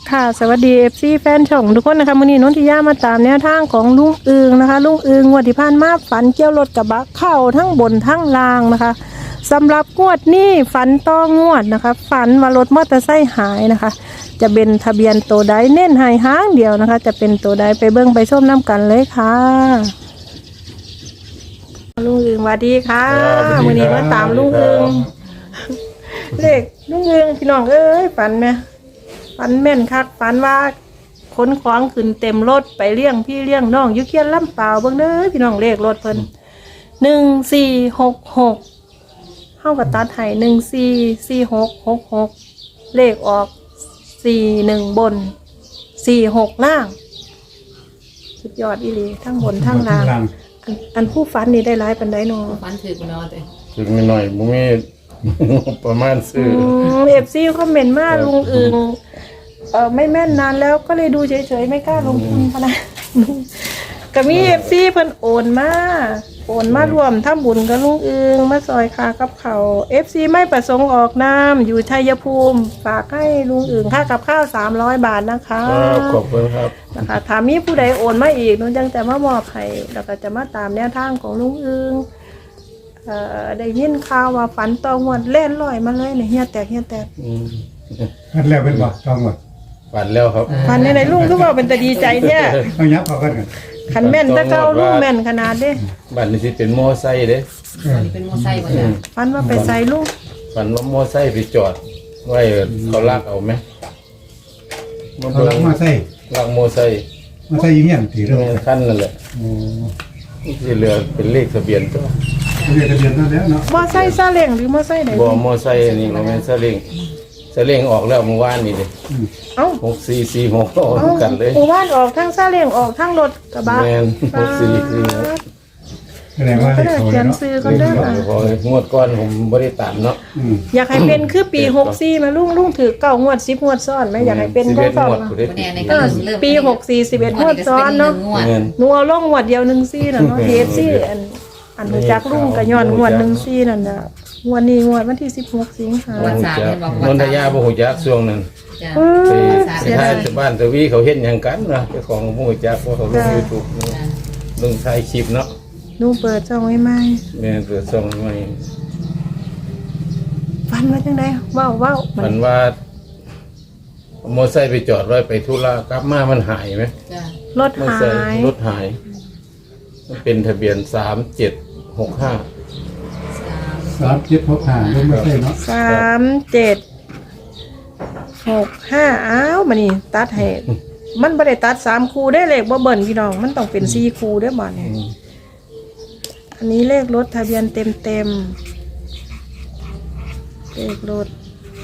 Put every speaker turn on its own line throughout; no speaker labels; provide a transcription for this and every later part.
ค่ะสวัสดีFCแฟนช่องทุกคนนะคะมื้อนี้นนทิยามาตามแนวทางของลุงอึงนะคะลุงอึงงวดที่ผ่านมาฝันเกี่ยวรถกระบะเข้าทั้งบนทั้งล่างนะคะสำหรับงวดนี้ฝันต่องวดนะคะฝันว่ารถมอเตอร์ไซค์หายนะคะจะเป็นทะเบียนตัวใดเน้นให้หางเดียวนะคะจะเป็นตัวใดไปเบิ่งไปชมน้ำกันเลยค่ะลุงอึงสวัสดีค่ะมื้อนี้มาตามลุงอึงเลขลุงอึงพี่น้องเอ้ยฝันไหมฝันแม่นคักฝันว่าขนของขึ้นเต็มรถไปเลี้ยงพี่เลี้ยงน้องอยู่เคียนลำเปล่าเบิ่งเด้อพี่น้องเลขรถเพิ่น1466เฮาก็ตัดให้144666เลขออก41บน46ล่างสุดยอดอีหลีทั้งบนทั้งล่างอันผู้ฝันนี่ได้หลายปานใดเนาะ
ฟันถือกูนอนเลย
ถึงไม่หน่อยบ่มี ประมาณซื้อ
FC คอมเมนต์มาลุงอึงไม่แม่นนานแล้วก็เลยดูเฉยๆไม่กล้าลงทุนพะนะก็มีFC เพิ่นโอนมารวมทำบุญกับลุงอึงมาซอยคากับเขาว FC ไม่ประสงค์ออกนามอยู่ชัยภูมิฝากให้ลุงอึงค่ากับข้าว300 บาทนะคะ
ครับขอบคุณครับ
นะคะถ้ามีผู้ใดโอนมาอีกหนูจังจะมามอบให้แล้วก็จะมาตามแนวทางของลุงอึงได้ยินข่าวว่าฝันตองวดเล่นลอยมาเลยเนี่ยเฮียแตก
อันแล้วเป็นบ่ต้องหมด
ฝันแล้วครับ
ฝันในลุงทุกว่าเป็นแต่ดีใจเนี่ย
เอายับเอากันกัน
ขันแม่นตะเก้าลุงแม่นขนาดเด้
บัดนี้สิเป็นมอไซค์เด้
อันนี้เป็นโมไซค์หมดเลย
ฝันว่าไปใส่ลุง
ฝันว่ามอไซค์ไปจอดไว้เขาลากเอาไหม
เขาลักมาใส่
ลากมอไซค์
มาใส่ยิ่งยันตีเรื่อง
แม่นคันนั่นแหละที่เหลือเป็นเลขทะเบียนตัว
เรียกทะเบียนนั่นแล้วเนาะ
มอไซค์ซาเล้งหรือมอไซค์ไหน
บ่มอไซค์อันนี้บ่แม่นซาเล้งซาเล้งออกแล้วเมื่อวานนี่เด้
เอ้า
6446ออกกันเลย
หมู่บ้านออกทั้งซาเล้งออกทั้งรถกระบะ
แม่น
แสดงว่า
ก็
เลข
ได้
เขา
เขียน
เนาะ
ซื้อกันเด้อ
64พองวดก่อนผมบ่ได้ตามเนาะ
อยากให้เป็นคือปี64มาลุงถือ9งวด10งวดซ้อนไหมอยากให้เป็นจัง
11
ซั่น
งวดผู้ใด
วันนี้ใน
เอ
ก็
อ
เริ่ม
ปี64 11งวดซ้อนเนาะ
เงิน
หนูเอาลงงวดเดียว14น่ะเนาะ KFC อันรู้จักลุงก็ย้อนงวด14นั่นน่ะงวดนี้งวดวันที่16สิงหา
วันสามเห็นบอก
นนทยาบ่ฮู้จักช่วงนั้น
จ้ะ
ไปถ่ายที่บ้านตะวีเขาเฮ็ดหยังกันนะเจ้าของบ่ฮู้จักเพราะเขาลง YouTube ลงถ่ายคลิปเนาะ
หนูเปิดช่องไว้ใหม่
แม่เปิดช่องใหม่
ฟันว่าจังได๋ว้าว
มันว่ามอเตอร์ไซค์ไปจอดไว้ไปธุระกลับมามันหายไหม
จ้ะ
รถ
มอเตอร์
หา
ไซค์
ย
รถหาย มันเป็นทะเบียน3765
3765ลงมาใส่เนาะ
3765อ้าวมานี่ตัดให้มันบ่ได้ตัด3คู่ได้เลขบ่เบิ่นพี่น้องมันต้องเป็น4คู่เด้อบัดนี้อันนี้เลขรถทะเบียนเต็มเลขรถ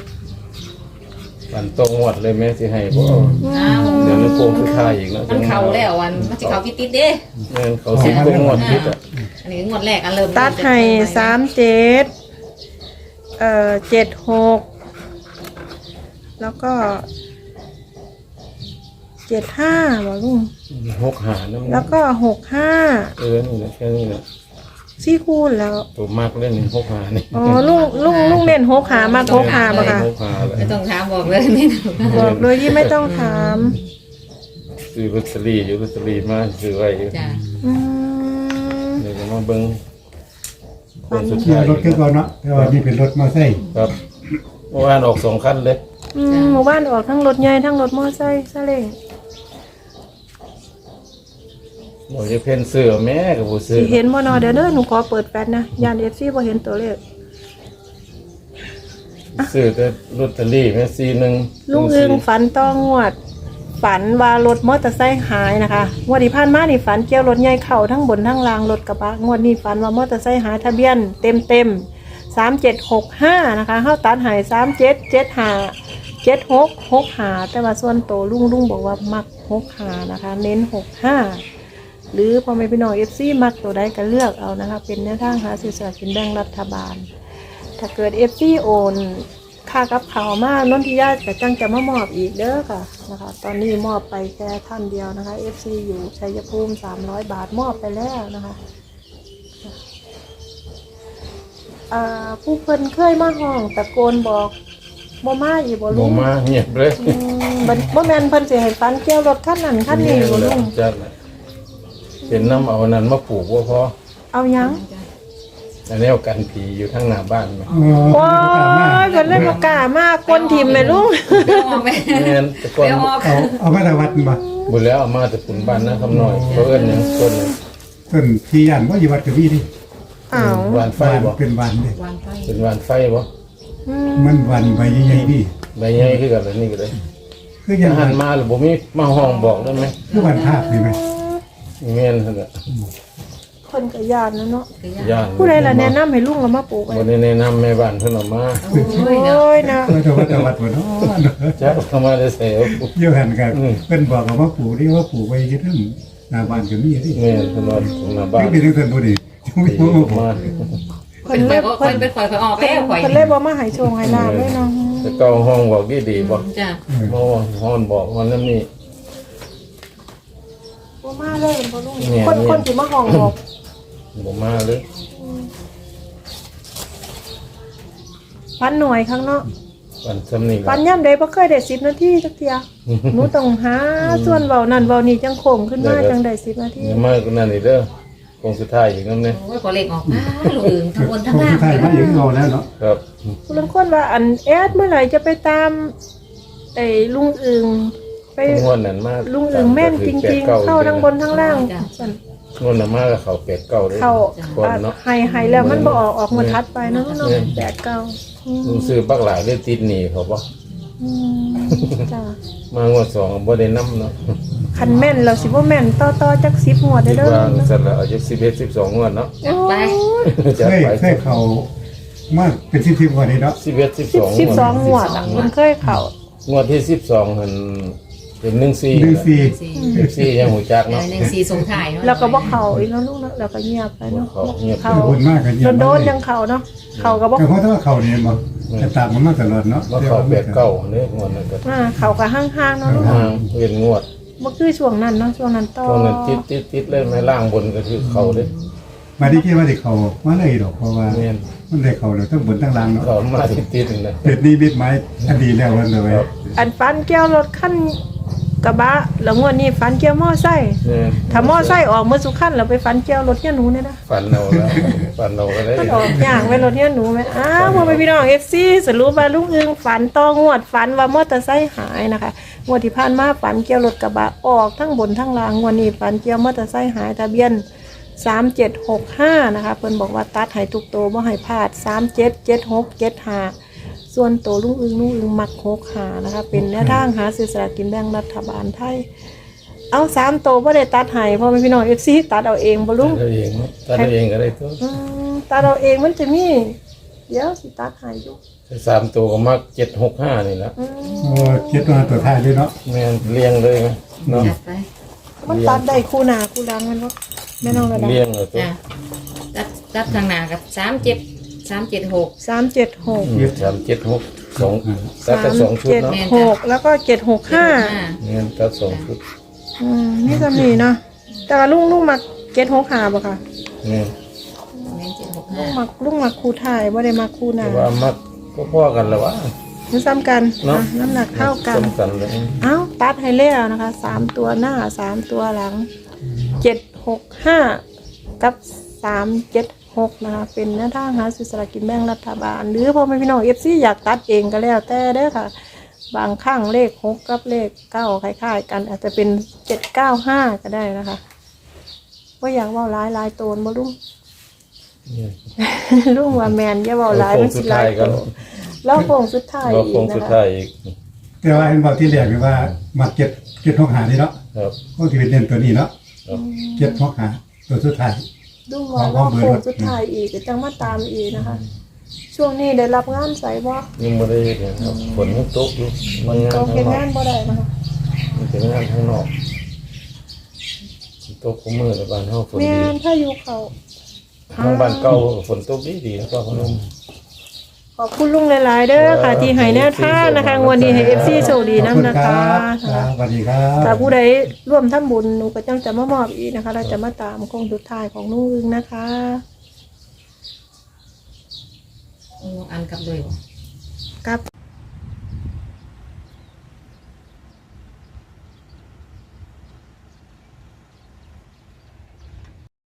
ฝันตรงงวดเลยแม่สิให้บ่
อ้าว
เดี๋ยวนึกโกงคือค่ายอีกเนาะ
มันเข่าแล้ววันมันจะเข่าติดเด้
แม่นเขาสิโกงงวดคิดอ่ะ
อันนี้งวดแรกอันเริ่ม
ตัดให้76แล้วก็75บ่ลุง
65นำ
แล้วก็65
นี่แหละแค่นี้แหละ
4คู่แล้ว
ตัวมากเล่นนี่65นี่
อ๋อลุงเล่น65มา65บ่ค่ะ
65เลย
ไม่ต้องถามบอกเลยนี่
บอกโดยที่ไม่ต้องถาม
ซื้อลอตเตอรี่อยู่ลอตเตอรี่มาซื้อไว้อยู่
จ้ะ
อืม
เดี๋ยวจะมาเบิ่งคนสุด
เนี่ย
ท้าย
รถคือเขาเนาะแต่ว่านี่เป็นรถมาใส่
ครับเมื่อวานออก2คันเลย
หมู่บ้านออกทั้งรถใหญ่ทั้งรถมอไซค์ซาเล้ง
บ่จะเพิ่นซื้อแม่ก็บ่ซื้อ
สิเห็นบ่เนาะเดี๋ยวเด้อหนูขอเปิดแฟลชนะยาน FC บ่เห็นตัวเลข
ซื้อแต่ลอตเตอรี่แม่41
ลุงอึงฝันต้องงวด ฝันว่ารถมอเตอร์ไซค์หายนะคะงวดที่ผ่านมานี่ฝันเกี่ยวรถใหญ่เข้าทั้งบนทั้งล่างรถกระบะงวดนี้ฝันว่ามอเตอร์ไซค์หายทะเบียนเต็ม3765นะคะเฮาตัดหาย3775 7665แต่ว่าส่วนโตวลุงบอกว่ามัก65นะคะเน้น65หรือพอไม่พี่น้อง FC มักตัวใดก็เลือกเอานะคะเป็นแนวทางหาซื้อสลากกินแบ่งรัฐบาลถ้าเกิด FC โอนค่ากับข่าวมานนทิยาจะจังจะมามอบอีกเด้อค่ะนะคะตอนนี้มอบไปแค่ท่านเดียวนะคะ FC อยู่ชัยภูมิ300 บาทมอบไปแล้วนะคะผู้เพิ่นเคยมาห้องตะโกนบอกบ่มาอีกบ่
บ่
ลุง
มาเงียบเลย
อืมบ่แม่นเพิ่นสิให้ฝันเกี่ยวรถคันนั้นคันนี้บ่ลุง
จัดน่ะเป็นน้ำเอานั้นมาปลูกบ่พอ
เอาหยัง
อันนี้เอากันผีอยู่ทั้งหน้าบ้านไหม
โอ้ยเพิ่นเลยบ่กล้ามากคนทิ่มแม่ลุง
เดี๋ยวออกไป
แม่นแต่ก่อน
เดี๋ยวออก
เอามาตะวัดมา
บุญแล้วเอามาแต่ปุ่นบ้านนะคำน้อยเพราะเอิ้นหยังต้นหนึ่ง
ต้นที่ย่านว่าอยู่วัดกระบี่ดิ
อ้าว
หวานไฟบ่
เป็นวันเด้
วางไฟ
เป็นหวานไฟบ่
อืม
มันวันใบใหญ่ๆนี่
ใบใหญ่คือกันเลยนี่ก็เลย
คือยัง
หันมาหรือบ่มีมาห้องบอกได้ไหม
คือวันภาพนี่ไหม
แม่นหั่นน่ะ
คนก็ย่านนะเนาะ
ย่าน
ผู้ใดล่ะแนะนำให้ลุงเอามาปลูกไว้
บ่ได้แนะนำแม่บ้านเพิ่นเอามา
โอ้ยเนาะ
โอ้ยนะ
ตะวัดบ่เนาะ
จักเอามาได้ใส่เอา
เยอะหันกันเพิ่นบอกว่าปลูกนี่ว่าปลูกไว้ที่ทั้งหน้าบ้านก็มีดิ
แม่นเพิ่นว่าของหน้าบ้าน
นี่เป็นทั้งบ่ดีจังมีบ่มาปลูก
มา
เพิ่
เป็น น
เลย
ข่อยเป็นข่อยออกแล้วข่อย
เพิ่นเลยบ่มาให้โชงให้ลาบเลยเนาะ
แต่เก่าห้องบอกดีๆบ่
จ้ะ
บ่ฮ้อนบอกว่านั้นนี่
บ่มาเลยบ่ลุง
เนี่ย
คนสิมาห้องบอก
บ่มาเลย
ฟันหน่อยข้างเนาะ
วันซำนี้
ฟันย่ำใดบ่เคยได้10นาทีจักเที่ยหนูต้องหาส่วนเว้านั่นเว้านี่จังโค้งขึ้นมาจังได้10นาที
ยังมากกว่านั้นอีกเด้อคงสุดท้ายอีกนำเนี่ย
โอ้ยพอเล็กออกมาลูกอื่นทั้งบนทั้ง
คง
ล่าง
สุดท้ายมาอย่างเอาแล้วเนาะ
ครับ
ผู้ลางคนว่าอันแอดเมื่อไหร่จะไปตามไอ้ลุงอึงไป
งวดนั้นมาก
ลุงอึงแม่นจริงๆ เข้าทั้งบนทั้งล่างสั่น
งวดนั้นมากกับเขาเป็ดเก่าเลย
เข้า
คนเนาะ
ให้แล้วมันบ่ออกมาทัดไปเนาะเนาะ8 9
ลุงซื้อบักหลายได้ติดหนี้เขาบ่
จ้าม
างวดสองบ่ได้นำเนาะ
คันแม่นแล้วสิบ่แม่นต่อจัก10งวด
คิ
ได้
ด
เด้อ
ว่าสั่นละอายุ11 12งวดเนาะ
จัดไป
จะ
เคย
ไป
เคยเข้ามาเป็น10กว่านี้เนาะ
11 12
12งวดอ่ะมันเคยเข้าง
วดที่12หั่นเป็น14 14ยังหูจักเนาะ
หนึ่งสี่ส่งถ่ายเนาะ
แล้วก็บ่เข้าอีกแล้วลูกเนาะแล้วก็เงียบไปเนาะ
เขาเงียบ
เข้า
บุญมากกัน
โดนๆยังเข้าเนาะเข้าก็บ่
แต่เพราะถ้าเขาเนี่ยบ่จะตามมันมาตลอดเนาะ
บ่เขาเป็ดเก่าเนี่ยงวดนั้นก็
เข้าก็ห่างๆเนาะลูก
ห่างเว้นงวด
บ่คือช่วงนั้นเนาะช่วงนั้นต่อ
ตรงนั้นติดเลยแม่ล่างบนก็คือเขาเลย
มาที่คิดว่าที่เขามาเลยดอกเพราะว่า
แม่น
มันได้เขาเลยทั้งบนทั้งล่างเนาะ
เขามาติดๆเลย
เป็ดนี่บิดไม้อดีแล้ววันเลย
ครับ
อันฟันเกี่ยวรถคันกระบะแล้วงวดนี้ฟันเกี่ยวมอไซค์
แม่น
ถ้ามอไซค์ออกเมื่อสุขันแล้วไปฟันเกี่ยวรถเนี่ยหนูเนี่ยนะ
ฟันเอาแล้วฟันเอาก็ได้
มันออกอย่างไว้รถเนี่ยหนูไหมอ้าวพ่อแม่พี่น้อง FC สรุปว่าลุงอึงฝันต่องวดฝันว่ามอเตอร์ไซค์หายนะคะงวดที่ผ่านมาฝันเกี่ยวรถกระบะออกทั้งบนทั้งล่างงวดนี้ฝันเกี่ยวมอเตอร์ไซค์หายทะเบียน3765นะคะเพิ่นบอกว่าตัดให้ทุกโตวบ่ให้พลาด377675ส่วนโตวลุงอึงมัก65นะคะเป็นแนวทางหาซื้อสลากกินแบ่งรัฐบาลไทยเอา3โตวบ่ได้ตัดให้พ่อแม่พี่น้อง FC ตัดเอาเองบ่ลุง
ตัดเองตัดเองก็ได้ตัว
ตัดเอาเองมันจะมีเดี๋ยวสิตัดให้อยู่
3ตัวก็มัก765นี่ละ
โอ้เจ็ดตัวตัวท้ายเลยเนาะ
แม่นเลี้ยงเลยไหมเนาะ
จัดไป
มันตัดได้คู่หน้าคู่หลังมันบ่แม่น้องระดับ
เลี้ยงเลยตัว
จ้ะตัดทางหน้ากับ376
376
376 2ตัดแต่2ชุดเนาะ
376แล้วก็765
แม่นตัด2ชุด
นี่จะมีเนาะแต่ว่าลุงมัก765บ่ค่ะ
แม่น
เน้น
ลุงมักคู่ท้ายบ่ได้มักคู่หน้า
แต่ว่ามักก็พอกันแล้ววะ
มันซ้ำกัน
เนาะ
น้ำหนักเท่ากัน
สำคัญเลย
เอ้าตัดให้แล้วนะคะ3ตัวหน้า3ตัวหลัง765กับ376นะคะเป็นแนวทางหาซื้อสลากกินแบ่งรัฐบาลหรือพ่อแม่พี่น้อง FC อยากตัดเองก็แล้วแต่เด้อค่ะ บางข้างเลข6กับเลข9คล้ายๆกันอาจจะเป็น795ก็ได้นะคะว่าอยากเว้าหลายโตนบ่ลุง
เนี่ย
ลุงว่าแมนอย่าเว้าหลาย
โค้
มั
ง
น
สุ
สิ
ด
หลา
ท้าย ย
โต
กัน
แล้วโค้งสุดท้าย
เรา
อี
โค้
ก
ง
นะ
สุด
คะ
ท้ายอีก
แต่ว่าเห็นบอกที่แรกนี่ว่ามาเจ็ดหกหานี่เนาะ
ครับ
ก็ที่เป็นเด่นตัวนี้เนาะ
ครับ
เจ็ดหกหาตัวสุดท้าย
ลุงว่าว่าโค้งสุดท้ายอีกก็จังมาตามอีกนะคะ ช่วงนี้ได้รับงานใส่บ่
ยังไม่ได้เนี่ยครับฝนยังตกอยู่มันงาน
ก็
ข้าง
เฮ็ด
นอก
งานบ่ได้นะคะ
มันเป็นงานข้างนอกตกขมือในบ้านเฮาฝน
แม่
ดี
นถ้าอยู่เขา
ทางบ้านเก่าฝนตกดีๆก็พนม
ขอบคุณลุงหลายๆเด้อค่ะ ที่ให้แนวทางนะคะงวดนี้ให้ FC โชคดี
ขอบ
นํ
คุณ
นะ
ค
คะ
รับสวัสดีครับ
ถ้าผู้ใดร่วมทำบุญหนูก็จังจะมามอบอีกนะคะ เราจะมาตามโค้งสุดท้ายของลุงอึงนะคะ
อันกับเลย
กับ